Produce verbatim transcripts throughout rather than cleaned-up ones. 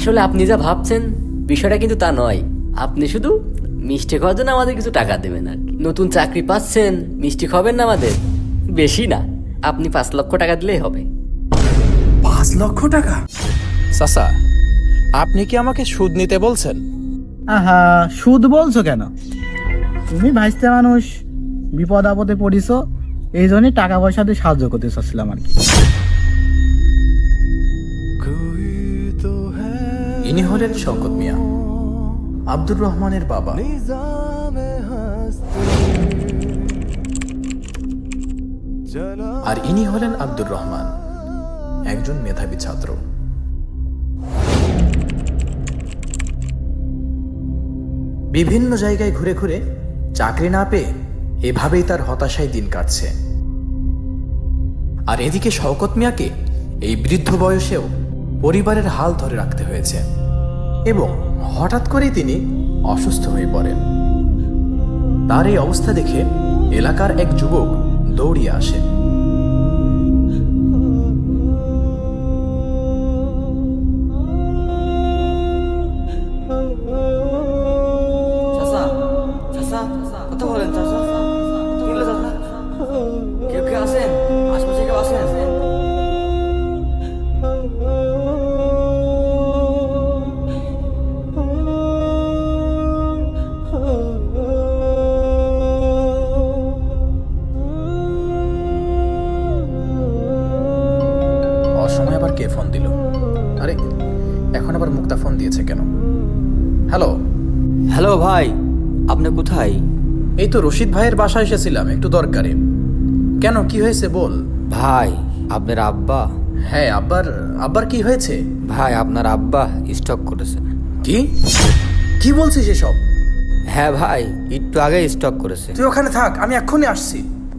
আসলে আপনি যা ভাবছেন বিষয়টা কিন্তু তা নয়। আপনি শুধু মিষ্টি খাওয়ার জন্য আমাদের কিছু টাকা দেবেন আর কি। নতুন চাকরি পাচ্ছেন, মিষ্টি খাবেন না আমাদের, বেশি না, আপনি পাঁচ লক্ষ টাকা দিলেই হবে। পাঁচ লক্ষ টাকা? চাচা, আপনি কি আমাকে সুদ নিতে বলছেন? আহা, সুদ বলছো কেন? তুমি ভাইস্তে মানুষ, বিপদ আপদে পড়িছো, এই জন্যই টাকা পয়সা দিয়ে সাহায্য করতে চাচ্ছিলাম আর কি। ইনি হলেন শওকত মিয়া, আব্দুর রহমানের বাবা। আর ইনি হলেন আব্দুর রহমান, একজন মেধাবী ছাত্র। বিভিন্ন জায়গায় ঘুরে ঘুরে চাকরি না পেয়ে এভাবেই তার হতাশায় দিন কাটছে। আর এদিকে শওকত মিয়াকে এই বৃদ্ধ বয়সেও পরিবারের হাল ধরে রাখতে হয়েছে এবং হঠাৎ করেই তিনি অসুস্থ হয়ে পড়েন। তার এই অবস্থা দেখে এলাকার এক যুবক দৌড়িয়ে আসে। চাচা, চাচা, কথা বলেন চাচা। কি হলো চাচা? কেউ কেউ আছেন? আশপাশে কেউ আছেন? অসময় আবার কে ফোন দিল? আরে, এখন আবার মুক্তা ফোন দিয়েছে কেন? হ্যালো হ্যালো ভাই, আপনি কোথায়? এই তো রশিদ ভাইয়ের বাসায় এসেছিলাম একটু দরকারে। কেন, কি হয়েছে বল। ভাই, আপনার আব্বা। হ্যাঁ, আব্বার আব্বার কি হয়েছে? ভাই, আপনার আব্বা স্টক করেছে। কি কি বলছিস এসব? হ্যাঁ ভাই, একটু আগে স্টক করেছে। তুই ওখানে থাক, আমি এক্ষুনি আসছি।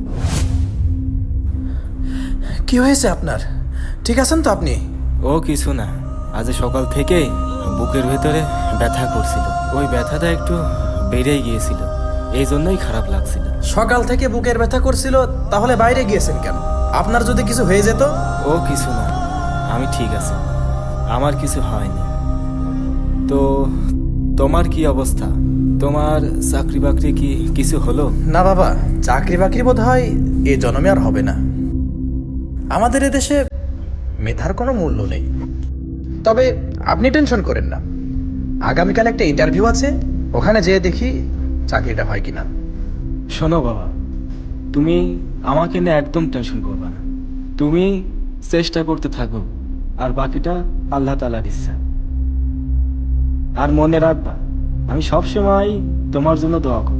কি হয়েছে আপনার? ঠিক আছেন তো আপনি? ও কিছু না, আজ সকাল থেকে বুকের ভেতরে ব্যথা করছিল। ওই ব্যথাটা একটু বেড়েই গিয়েছিল, এই জন্যই খারাপ লাগছিল। সকাল থেকে বুকের ব্যথা করছিল, তাহলে বাইরে গিয়েছেন কেন? আপনার যদি কিছু হয়ে যেত? ও কিছু না, আমি ঠিক আছি, আমার কিছু হয়নি। তো তোমার কি অবস্থা? তোমার চাকরি বাকরি কি কিছু হলো? না বাবা, চাকরি বাকরি বোধ হয় এ জন্মে আর হবে না। আমাদের এদেশে মেধার কোনো মূল্য নেই। তবে আপনি টেনশন করেন না, আগামীকাল একটা ইন্টারভিউ আছে, ওখানে যেয়ে দেখি চাকরিটা হয় কিনা। শোনো বাবা, তুমি আমাকে নিয়ে একদম টেনশন করবে না। তুমি চেষ্টা করতে থাকো, আর বাকিটা আল্লাহ তাআলার ইচ্ছা। আর মনে রাখবা, আমি সবসময় তোমার জন্য দোয়া করি।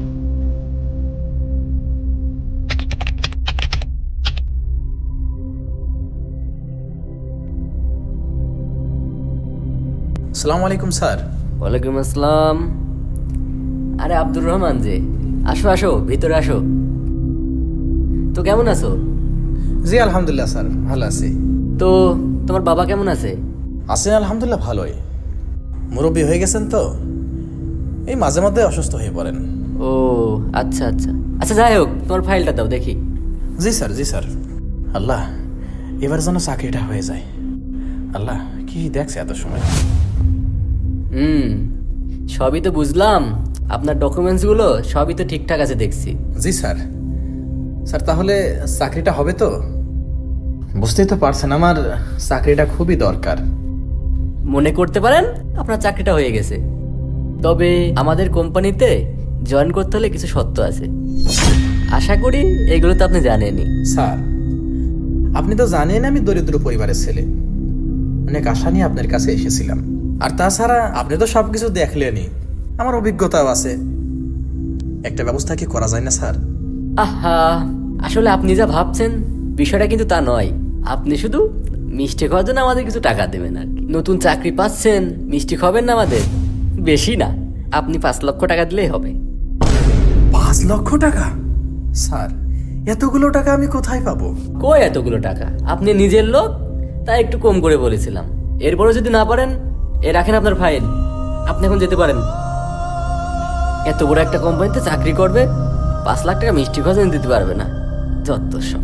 আসসালামু আলাইকুম স্যার। ওয়ালাইকুম আসসালাম। আরে আব্দুর রহমান যে, আসো আসো, ভিতরে আসো। তো কেমন আছো? জি আলহামদুলিল্লাহ স্যার, ভালো আছি। তো তোমার বাবা কেমন আছে? আছেন আলহামদুলিল্লাহ, ভালোই। মুরব্বী হয়ে গেছেন তো, এই মাঝে মধ্যে অসুস্থ হয়ে পড়েন। ও আচ্ছা আচ্ছা আচ্ছা, যাই হোক, তোমার ফাইলটা দাও দেখি। জি স্যার, জি স্যার। আল্লাহ, এবার যেন চাকরিটা হয়ে যায়। আল্লাহ, কি দেখছে এত সময়। হুম, সবই তো বুঝলাম, আপনার ডকুমেন্টসগুলো সবই তো ঠিকঠাক আছে দেখছি। জি স্যার। স্যার, তাহলে চাকরিটা হবে তো? বুঝতেই তো পারছেন, আমার চাকরিটা খুবই দরকার। মনে করতে পারেন আপনার চাকরিটা হয়ে গেছে, তবে আমাদের কোম্পানিতে জয়েন করতে হলে কিছু শর্ত আছে। আশা করি এগুলো তো আপনি জানেনই। স্যার, আপনি তো জানেন আমি দরিদ্র পরিবারের ছেলে, অনেক আশা নিয়ে আপনার কাছে এসেছিলাম। আর তাছাড়া আপনি তো সবকিছু দেখলেনই, আমার অভিজ্ঞতাও আছে। একটা ব্যবস্থা কি করা যায় না স্যার? আহা, আসলে আপনি যা ভাবছেন বিষয়টা কিন্তু তা নয়। আপনি শুধু মিষ্টি খাওয়ার জন্য আমাদের কিছু টাকা দেবেন আর কি। নতুন চাকরি পাচ্ছেন, মিষ্টি খাবেন না আমাদের, বেশি না, আপনি পাঁচ লক্ষ টাকা দিলেই হবে। পাঁচ লক্ষ টাকা? স্যার, এতগুলো টাকা আমি কোথায় পাবো? কই এতগুলো টাকা? আপনি নিজের লোক, তাই একটু কম করে বলেছিলাম। এরপরও যদি না পারেন, এ রাখেন আপনার ফাইল, আপনি এখন যেতে পারেন। এত বড় একটা কোম্পানিতে চাকরি করবে, পাঁচ লাখ টাকা মিষ্টি খাওয়া জন্য দিতে পারবে না, যত সব।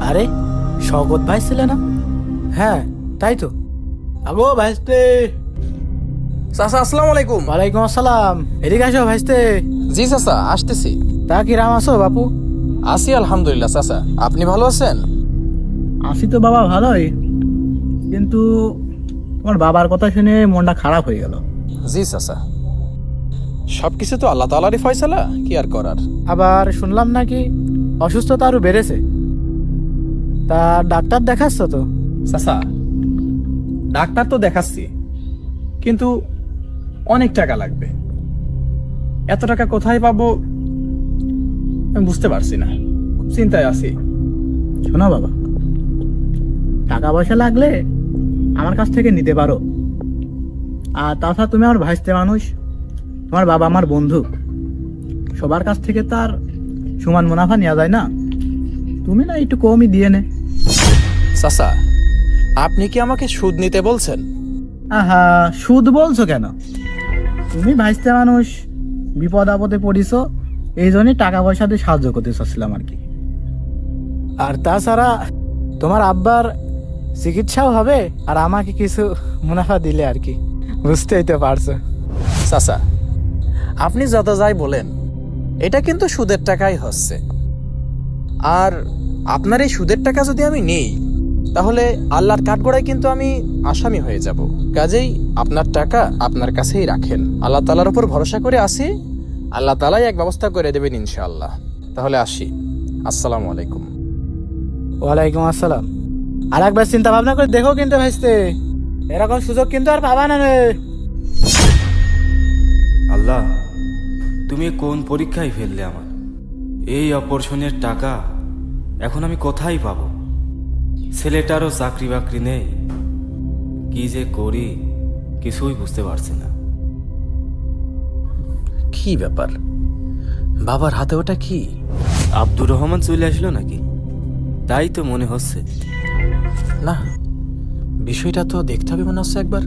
আরে শওকত ভাই ছিল না? হ্যাঁ তাই তো। আগো ভাইস্তে। চাচা আসসালামু আলাইকুম। ওয়ালাইকুম আসসালাম। এদিকে আসো ভাইস্তে। জি চাচা আসতেছি। তা কি রাম আছো বাপু? আছি আলহামদুলিল্লাহ চাচা, আপনি ভালো আছেন? আসি তো বাবা ভালোই, কিন্তু তোমার বাবার কথা শুনে মনটা খারাপ হয়ে গেল। জি চাচা, সবকিছু তো আল্লাহ তাআলারই ফয়সালা, কি আর করার। আবার শুনলাম নাকি অসুস্থতা আরো বেড়েছে। তা ডাক্তার দেখাচ্ছ তো? চাচা ডাক্তার তো দেখাচ্ছি, কিন্তু অনেক টাকা লাগবে। এত টাকা কোথায় পাবো আমি বুঝতে পারছি না, চিন্তায় আছি। শোনো বাবা, টাকা পয়সা লাগলে আমার কাছ থেকে নিতে পারো। আর তাছাড়া তুমি আমার ভাইস্তে মানুষ, তোমার বাবা আমার বন্ধু, সবার কাছ থেকে তার সমান মুনাফা নেওয়া যায় না। তুমি না একটু কমই দিয়ে নে। চাচা আপনি কি আমাকে সুদ নিতে বলছেন? আহা, সুদ বলছো কেন? তুমি ভাইস্তে মানুষ, বিপদ আপদে পড়িছো, এই জন্যই টাকা পয়সা দিয়ে সাহায্য করতে চাচ্ছিলাম আর কি। আর তাছাড়া তোমার আব্বার চিকিৎসাও হবে আর আমাকে কিছু মুনাফা দিলে আর কি, বুঝতেই তো পারছো। চাচা আপনি যত যাই বলেন, এটা কিন্তু সুদের টাকাই হচ্ছে। আর আপনার এই সুদের টাকা যদি আমি নেই, তাহলে আল্লাহর কাঠগড়ায় কিন্তু আমি আসামি হয়ে যাব। কাজেই আপনার টাকা আপনার কাছেই রাখেন, আল্লাহ তাআলার উপর ভরসা করে আসি, আল্লাহ তাআলাই এক ব্যবস্থা করে দেবেন ইনশাআল্লাহ। তাহলে আসি, আসসালামু আলাইকুম। ওয়ালাইকুম আসসালাম। আর একবার চিন্তা ভাবনা করে দেখো কিন্তু ভাইস্তে, এরকম সুযোগ কিন্তু আর পাবা না রে। আল্লাহ, তুমি কোন পরীক্ষায় ফেললে আমার? এই অপারেশনের টাকা এখন আমি কোথায় পাবো? ছেলেটারও চাকরি বাকরি নেই, কি যে করি কিছুই বুঝতে পারছি না। কি ব্যাপার, বাবার হাতে ওটা কি? আব্দুর রহমান চলে আসলো নাকি? তাই তো মনে হচ্ছে। না, বিষয়টা তো দেখতে হবে মনে হচ্ছে একবার।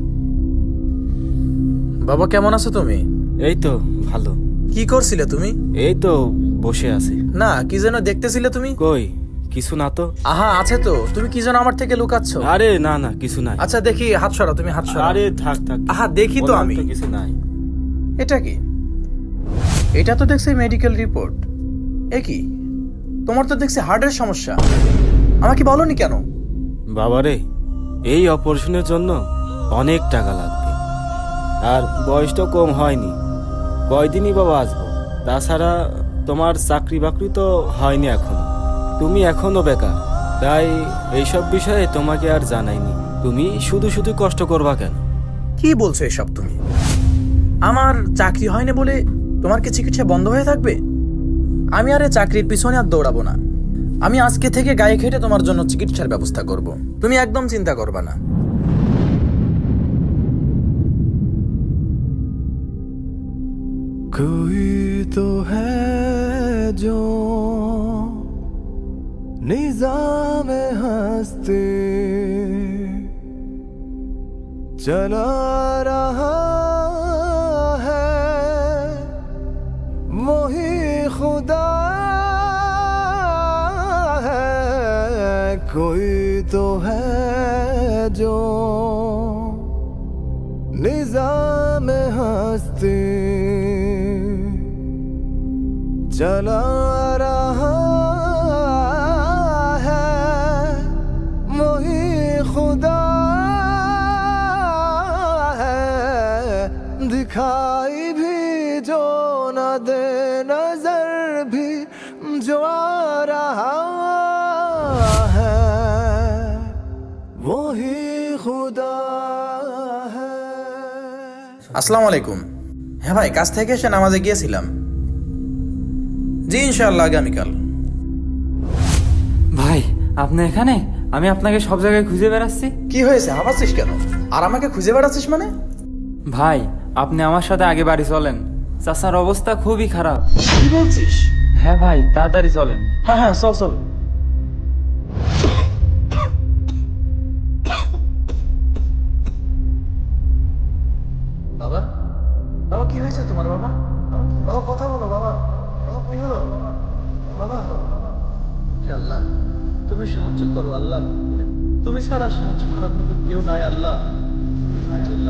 বাবা কেমন আছো তুমি? এই তো ভালো। কি করছিলে তুমি? এই তো বসে আছি। না, কি যেন দেখতেছিলে তুমি? কই কিছু না তো। আহা, আছে তো। তুমি কি যেন আমার থেকে লুকাচ্ছ? আরে না না, কিছু নাই। আচ্ছা দেখি, হাত সরাও, তুমি হাত সরাও। আরে থাক থাক। আহা, দেখি তো বললাম আমি। কিছু নাই। এটা কি? এটা তো দেখছি মেডিকেল রিপোর্ট। এ কি, তোমার তো দেখছি হার্টের সমস্যা। আমাকে বলনি কেন? বাবারে, এই অপারেশনের জন্য অনেক টাকা লাগবে, আর বয়সটা কম হয়নি। কয়দিনই বাবা আসবো? তাছাড়া তোমার চাকরি বাকরি তো হয়নি এখনো, তুমি এখনো বেকার। তাই এইসব বিষয়ে তোমাকে আর জানাইনি। তুমি শুধু শুধু কষ্ট করবা কেন? কি বলছো এসব তুমি? আমার চাকরি হয়নি বলে তোমার কি চিকিৎসা বন্ধ হয়ে থাকবে? আমি আর এই চাকরির পিছনে আর দৌড়াবো না। আমি আজকে থেকে গায়ে খেটে তোমার জন্য চিকিৎসার ব্যবস্থা করব। তুমি একদম চিন্তা করবা না। कोई तो है जो निजाम हस्ती चला रहा है, वही खुदा है। कोई तो है जो निजाम हस्ती चला रहा है, वही खुदा है। दिखाई भी जो न दे नजर भी जो आ रहा है, वही खुदा है। আসসালামু আলাইকুম। হ্যাঁ ভাই, কাজ থেকে এসে নামাজে গিয়েছিলাম। জি ইনশাআল্লাহ আগামীকাল। ভাই, আপনি এখানে? আমি আপনাকে সব জায়গায় খুঁজে বেড়াচ্ছি। কি হয়েছে, হাঁপাচ্ছিস কেন? আর আমাকে খুঁজে বেড়াচ্ছিস মানে? ভাই, আপনি আমার সাথে আগে বাড়ি চলেন, চাচার অবস্থা খুবই খারাপ। কি বলছিস? হ্যাঁ ভাই, তাড়াতাড়ি চলেন। হ্যাঁ হ্যাঁ, চল চল। বাবা, বাবা কি হয়েছে তোমার? বাবা, বাবা কথা বলো। বাবা, বাবা কি হলো? বাবা, হে আল্লাহ, তুমি সাহায্য করো আল্লাহ, তুমি ছাড়া সাহায্য করার মতো কেউ নাই আল্লাহ। আল্লাহ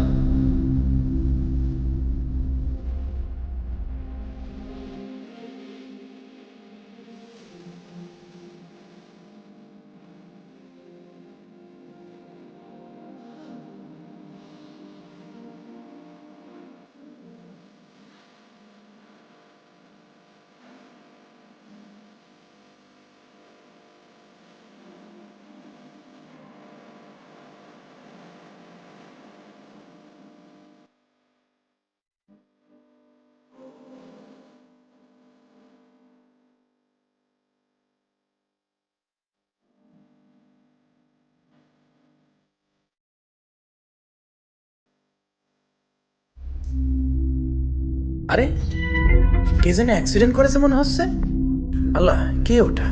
আরে কে যেন অ্যাক্সিডেন্ট করেছে মনে হচ্ছে। আল্লাহ, কে ওটা?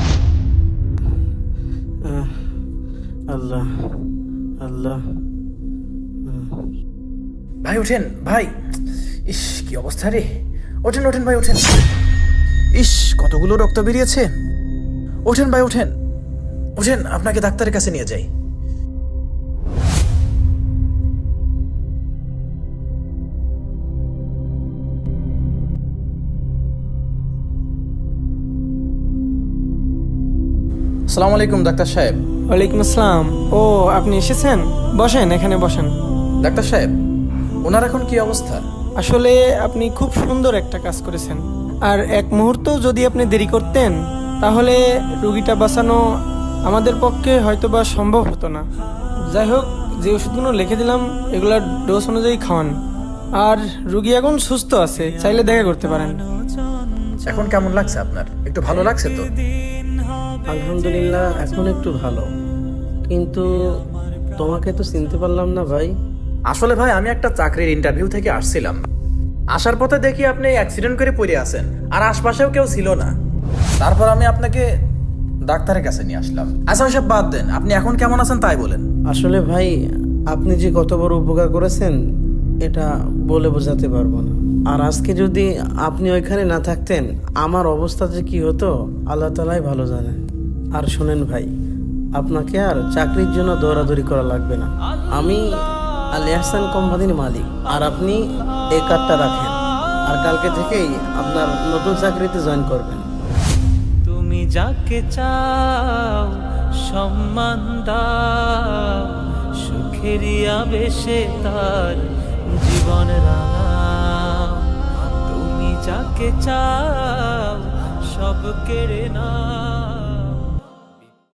আল্লাহ আল্লাহ। ভাই ওঠেন ভাই, ইস কি অবস্থা রে। ওঠেন ওঠেন ভাই ওঠেন। ইস কতগুলো রক্ত বেরিয়েছে। ওঠেন ভাই ওঠেন ওঠেন, আপনাকে ডাক্তারের কাছে নিয়ে যাই। আসসালামু আলাইকুম ডাক্তার সাহেব। ওয়ালাইকুম আসসালাম। ও আপনি এসেছেন, বসেন, এখানে বসেন। ডাক্তার সাহেব, ওনার এখন কি অবস্থা? আসলে আপনি খুব সুন্দর একটা কাজ করেছেন, আর এক মুহূর্ত যদি আপনি দেরি করতেন তাহলে রুগীটা বাঁচানো আমাদের পক্ষে হয়তো বা সম্ভব হতো না। যাই হোক, যে ওষুধগুলো লিখে দিলাম এগুলার ডোজ অনুযায়ী খাওয়ান, আর রুগী এখন সুস্থ আছে, চাইলে দেখা করতে পারেন। এখন কেমন লাগছে আপনার? একটু ভালো লাগছে তো? আলহামদুলিল্লাহ, এখন একটু ভালো, কিন্তু তোমাকে তো চিনতে পারলাম না ভাই। আসলে ভাই আমি একটা চাকরির ইন্টারভিউ থেকে আসছিলাম, আসার পথে দেখি আপনি অ্যাক্সিডেন্ট করে পড়ে আছেন, আর আশপাশেও কেউ ছিল না। তারপর আমি আপনাকে ডাক্তারের কাছে নিয়ে আসলাম। আচ্ছা সব বাদ দেন, আপনি এখন কেমন আছেন তাই বলেন। আসলে ভাই, আপনি যে কত বড় উপকার করেছেন এটা বলে বোঝাতে পারবো না। আর আজকে যদি আপনি ওইখানে না থাকতেন আমার অবস্থা যে কি হতো আল্লাহ তাআলাই ভালো জানেন। আর শোনেন ভাই, আপনাকে আর চাকরির জন্য দৌড়াদৌড়ি করা লাগবে না। আমি আল ইহসান কোম্পানির মালিক, আর আপনি এই কার্ডটা রাখেন, আর কালকে থেকেই আপনার নতুন চাকরিতে জয়েন করবেন। তুমি যাকে চাও সম্মান দাও, সুখেরই আবেশে তার জীবন রাঙাও। তুমি যাকে চাও সব কেড়ে নাও।